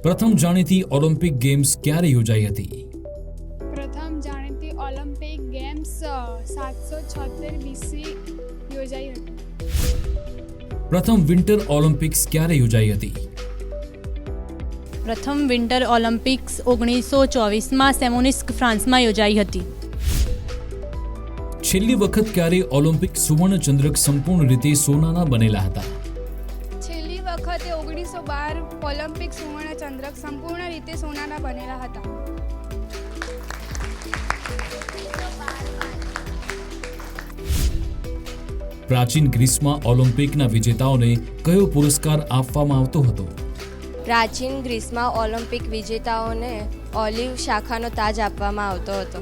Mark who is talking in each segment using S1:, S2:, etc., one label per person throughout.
S1: પ્રથમ જાણીતી Olympic games ક્યારે યોજાઈ હતી?
S2: પ્રથમ જાણીતી ઓલિમ્પિક ગેમ્સ 776 BC યોજાઈ હતી.
S1: પ્રથમ વિન્ટર ઓલિમ્પિક્સ ક્યારે યોજાઈ હતી?
S3: પ્રથમ વિન્ટર ઓલિમ્પિક્સ 1924માં સેમોનિસ્ક, ફ્રાન્સમાં યોજાઈ હતી.
S1: છેલ્લી વખત ક્યારે ઓલિમ્પિક સુવર્ણ ચંદ્રક સંપૂર્ણ રીતે સોનાના બનેલા હતા?
S2: છેલ્લી વખતે 1912 ઓલિમ્પિક સુવર્ણ ચંદ્રક સંપૂર્ણ રીતે સોનાના બનેલા હતા.
S1: પ્રાચીન ગ્રીસમાં ઓલિમ્પિકના વિજેતાઓને કયો પુરસ્કાર આપવામાં આવતો હતો?
S4: પ્રાચીન ગ્રીસમાં ઓલિમ્પિક વિજેતાઓને ઓલિવ શાખાનો તાજ આપવામાં આવતો હતો.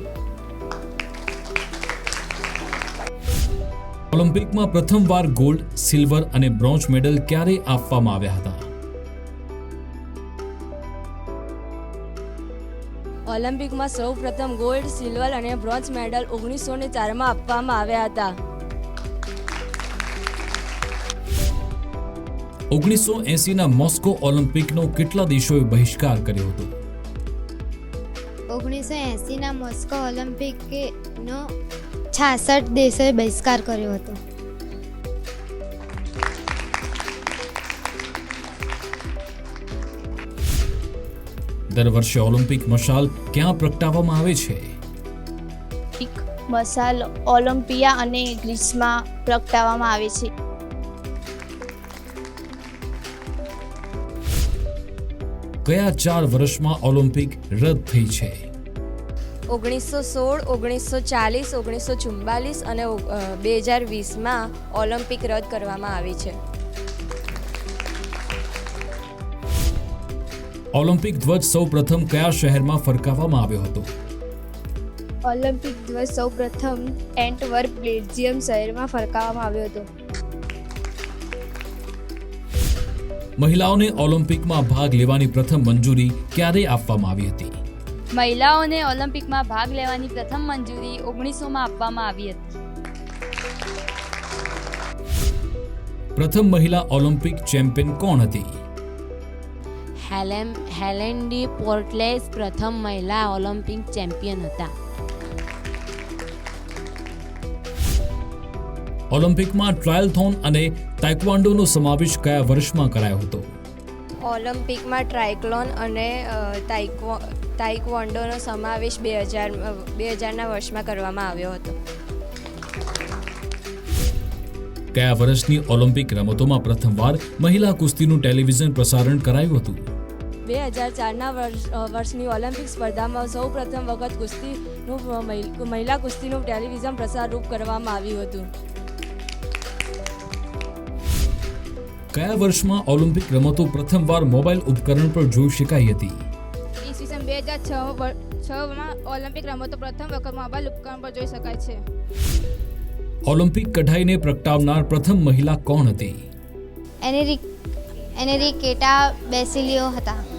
S1: ઓલિમ્પિકમાં પ્રથમવાર ગોલ્ડ, સિલ્વર અને બ્રોન્ઝ મેડલ ક્યારે આપવામાં આવ્યા હતા?
S4: ઓલિમ્પિકમાં સૌ પ્રથમ ગોલ્ડ, સિલ્વર અને બ્રોન્ઝ મેડલ 1904માં આપવામાં આવ્યા હતા.
S1: 1980ના મોસ્કો ઓલિમ્પિકનો કેટલા દેશોએ બહિષ્કાર કર્યો હતો?
S5: 1980ના મોસ્કો ઓલિમ્પિકનો 66 દેશોએ બહિષ્કાર કર્યો હતો.
S1: દર વર્ષે ઓલિમ્પિક મશાલ ક્યાં પ્રગટાવવામાં આવે છે?
S6: મશાલ ઓલિમ્પિયા અને ગ્રીસમાં પ્રગટાવવામાં આવે છે.
S1: કયા 4 વર્ષમાં ઓલિમ્પિક રદ થઈ છે?
S4: 1916, 1940, 1944 અને 2020માં ઓલિમ્પિક રદ કરવામાં આવી છે.
S1: ઓલિમ્પિક ધ્વજ સૌ પ્રથમ કયા શહેરમાં ફરકાવવામાં આવ્યો હતો?
S6: ઓલિમ્પિક ધ્વજ સૌપ્રથમ એન્ટવર્પ, બેલ્જિયમ શહેરમાં ફરકાવવામાં આવ્યો હતો.
S1: મહિલાઓને ઓલિમ્પિકમાં ભાગ લેવાની પ્રથમ મંજૂરી ક્યારે આપવામાં આવી હતી?
S7: મહિલાઓને ઓલિમ્પિકમાં ભાગ લેવાની પ્રથમ મંજૂરી 1900માં આપવામાં આવી હતી.
S1: પ્રથમ મહિલા ઓલિમ્પિક ચેમ્પિયન કોણ હતી?
S8: હેલેન ડી પોર્ટલેસ પ્રથમ મહિલા ઓલિમ્પિક ચેમ્પિયન હતા.
S1: ઓલિમ્પિકમાં ટ્રાયલથોન અને તાઇક્વાન્ડોનો સમાવેશ કયા વર્ષમાં કરાયો હતો?
S4: ઓલિમ્પિકમાં ટ્રાયક્લોન અને તાઇક્વોન્ડોનો સમાવેશ 2000ના વર્ષમાં કરવામાં આવ્યો હતો.
S1: કયા વર્ષની ઓલિમ્પિક રમતોમાં પ્રથમવાર મહિલા કુસ્તીનું ટેલિવિઝન પ્રસારણ કરાયું હતું?
S4: 2004ના વર્ષની ઓલિમ્પિક સ્પર્ધામાં સૌ પ્રથમ વખત મહિલા કુસ્તીનું ટેલિવિઝન પ્રસારણ કરવામાં આવ્યું હતું.
S1: કયા વર્ષમાં ઓલિમ્પિક રમતો પ્રથમવાર મોબાઈલ ઉપકરણ પર જોઈ શકાઈ હતી?
S2: ઈસવીસન 2006માં ઓલિમ્પિક રમતો પ્રથમ વખત મોબાઈલ ઉપકરણ પર જોઈ શકાય છે.
S1: ઓલિમ્પિક કઢાઈને પ્રગટાવનાર પ્રથમ મહિલા કોણ હતી?
S5: એનેરિકેટા બેસિલિયો હતા.